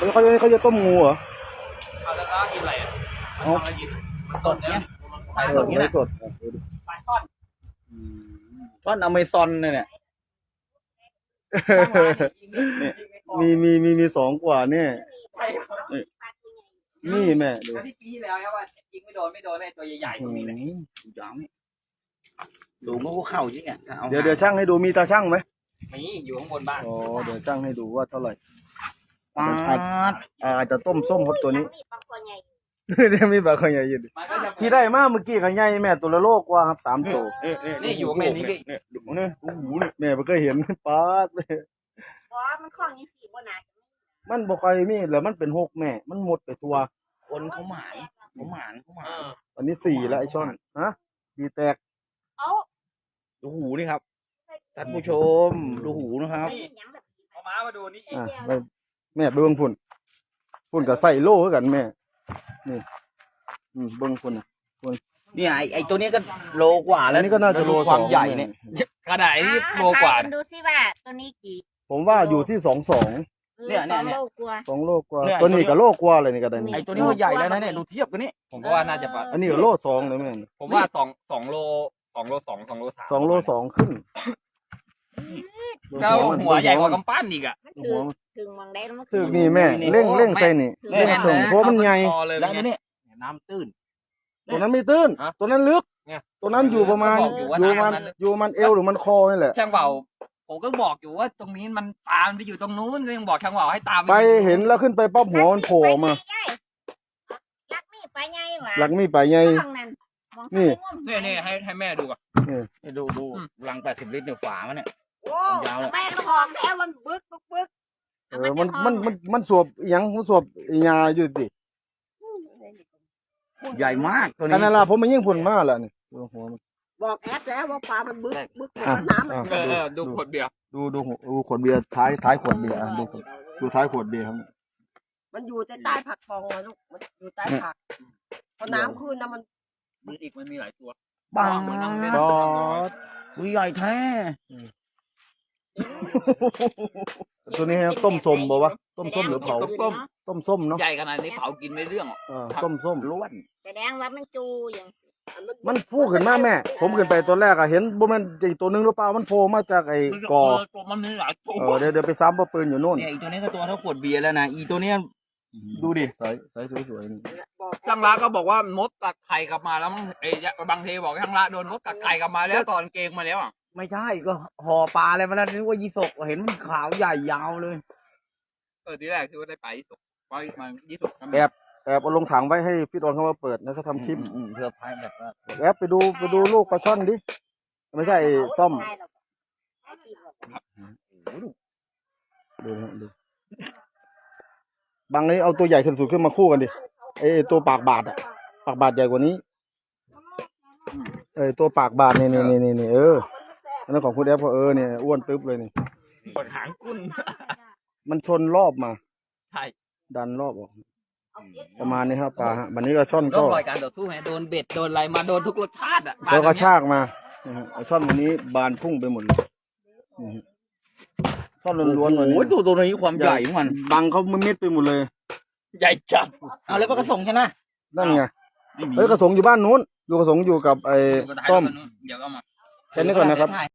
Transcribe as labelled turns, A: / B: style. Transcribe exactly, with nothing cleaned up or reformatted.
A: แล้วเขาจะเขาจะต้มงูเหรอ
B: เอาแล้วก็กินอะไรอ่ะเอาอะไรกินสดเนี่ยปลาสดนี่แหละ
A: สด
B: ปลาช่อน
C: ช่อนอเมซอนเนี่ย
A: มีมีมีมีสองกว่าเนี่ยนี่แม่ดู
B: ที่ปีที่แล้วว่ายิงไม่โดนไม่โดนไอ้ตัวใหญ่ๆตรงนี้เลย
C: ยาวนี่ดูมันก็เข่าจริงอ่ะ
A: เดี๋ยวเดี๋ยวช่างให้ดูมีตาช่างไหม
B: มีอยู่ข้างบนบ้าน
A: อ๋อเดี๋ยวช่างให้ดูว่าเท่าไหร่
C: ปลา
A: อาจจะต้มส้มครับตัวนี้เดี๋ยวมีบางคนใหญ่ยืนที่ได้มากเมื่อกี้กันใหญ่แม่ตัวละโลกว่าครับสามตัว
B: นี่อยู่แม่นี้
A: เนี่ยดูเนี่ยโอ้โหเนี่ยแม่ไม่เคยเห็นป๊าดเลย
D: เพราะมันคล้องยังสี่บนหนา
A: มันบอกใครมีแล้วมันเป็นหกแม่มันหมดไปตัว
C: คนเขาหมานเขาหมานเขาหมาน
A: อันนี้สี่แล้วไอช่อนฮะดีแตก
D: เอา
C: ดูหูนี่ครับท่านผู้ชมดูหูนะครับ
B: เอาม้ามาดูนี่อีก
A: แม่เบิ้งพุ่นพุ่นกับใส่โล่กันแม่นี่เบิ้งพุ่นอ่ะพุ่น
C: นี่ไอไอตัวนี้ก็โลกว่าแล้ว
A: นี่ก็น่าจะโล
C: ความใหญ่เนี่ย
B: กระดาษนี่โลกว่า
D: ดูสิว่าตัวนี้กี่
A: ผมว่าอยู่ที่สองสอง
C: เนี่ยเนี่ยเนี่ย
A: สองโลกว่าตัวนี้กับโลกว่าเลยนี่ก็ได้
C: ไอตัวนี้ก็ใหญ่แล้วนะเนี่ยดูเทียบกันนี่
B: ผมก็ว่าน่าจะ
A: อันนี้โลสองเลยแม่
B: ผมว่าสองสองโลสองโลสองสองโลสาม
A: สองโลสองขึ้น
B: แล้วหัวใหญ่กว่ากำปั้นอีกอ่ะ
D: ถึงมองได้แล้ว
A: ถึงนี่แม่เร่งเร่งใส่นี่เร่งส่งเพราะมันใหญ่
B: แล้วนี่
C: น้ำตื้น
A: ตัวนั้นไม่ตื้นตัวนั้นลึกตัวนั้นอยู่ประมาณอยู่มันอยู่มันเอวหรือมันคอนี่แหละ
B: ช่างเบาผมก็บอกอยู่ว่าตรงนี้มันตามไปอยู่ตรงนู้นก็ยังบอกช่างเบาให้ตาม
A: ไปเห็นแล้วขึ้นไปปั๊บหัวมันโผล่มา
D: ลักมีไปไงวะ
A: ลักมีไปไงนี่
B: นี่นี่ให้ให้แม่ดูก่อน
C: นี่ดูดูลังแปดสิบลิตรเนี่ยฝามันเนี่ย
D: ยาวเลยแม่ก็หอมแล้วมันบึกบึกบึก
A: เออมันมันมันมันสวบยังมันสวบยาอยู่ดิ
C: ใหญ่มากตัวนี้
A: อันนั้นล่ะผมมันยิ่งพุ่นมากแล้วนี่หัวมัน
D: บอกแอดแล้วว่าปลามันบึกบึกน้ำ
B: เออดูขวดเบียร์
A: ดูดูดูขวดเบียร์ท้ายท้ายขวดเบียร์ดูดูท้ายขวดเบียร์ครับ
D: มันอยู่ใต้ใต้ผักฟองเลยลูกมันอยู่ใต้ผักพอน้ำขึ้นนะมัน
B: มันอีกมันมีหลายตัว
C: บ้าเหมือนน้ำเม็ดตัวใหญ่แท้
A: ตัวนี้ต้มส้มบอกว่าต้มส้มหรือเผา
B: ต้ม
A: ต้มส้มเนาะ
B: ใหญ่ขนาดนี้เผากินไม่เรื่อง
A: อ่ะต้มส้ม
C: ล้วน
D: แสดงว่ามันจูอย่าง
A: มันพูดขึ้นมาแม่ผมขึ้นไปตัวแรกอะเห็นบ่มันอีกตัวนึงหรือเปล่ามันโผล่มาจากไอ้กอ
B: มันมีหลายตัว
A: เออเดี๋ยวเดี๋ยวไปซ้ำปะปืนอยู่โน่น
C: เนี่ยอีตัวนี้ก็ตัวเท่าขวดเบียร์แล้วนะอีตัวนี้ดูดิ
A: ใส่ใส่สวยๆนี่
B: ช่างละก็บอกว่ามดกัดไข่กลับมาแล้วไอ้บางทีบอกช่างละโดนมดกัดไข่กลับมาแล้วตอนเกงมาแล้วอ่ะ
C: ไม่ใช่ก็ห่อปลาอะไรมาแล้วนึกว่ายีสกเห็นมันขาวใหญ่ยาวเลย
B: เออทีแรกคือว่าได้ไปยีสกไปมายีสก
A: แอบแอบเอาลงถังไว้ให้พี่ตอนเขามาเปิดแล้วเขาทำคลิป
C: เพื่อพายแบบว่า
A: แอบไปดูไปดูลูกปลาช่อนดิไม่ใช่ต้มดูดูบางนี้เอาตัวใหญ่ขึ้นสุดขึ้นมาคู่กันดิไอตัวปากบาดอะปากบาดใหญ่กว่านี้เออตัวปากบาดนี่นี่นี่นี่เอออันนั้นของคุณแอฟก็เออเนี่ยอ้วนตึ๊บเลยนี่
B: ปวดหางกุ้น
A: มันชนรอบมา
B: ใช่
A: ดันรอบออกประมาณนี้ครับปลาฮะวันนี้ก็ช่อนก็
B: รอยการต่อสู้ไหมโดนเบ็ดโดนอะไรมาโดนทุกรสชาติอ่ะ
A: แล้วก็ชากมาช่อนวันนี้บานพุ่งไปหมดเลยช่อนล้วนๆเลย
C: โอ้ยตัวตัวนี้ความใหญ่มัน
A: บังเขามิดไปหมดเลย
B: ใหญ่จัด
C: เอาแล้วกระสงใช่ไหม
A: นั่นไงเฮ้ยกระสงอยู่บ้านนู้นอยู่กระสงอยู่กับไอ้ต้มแค่นี้ก่อนนะครับ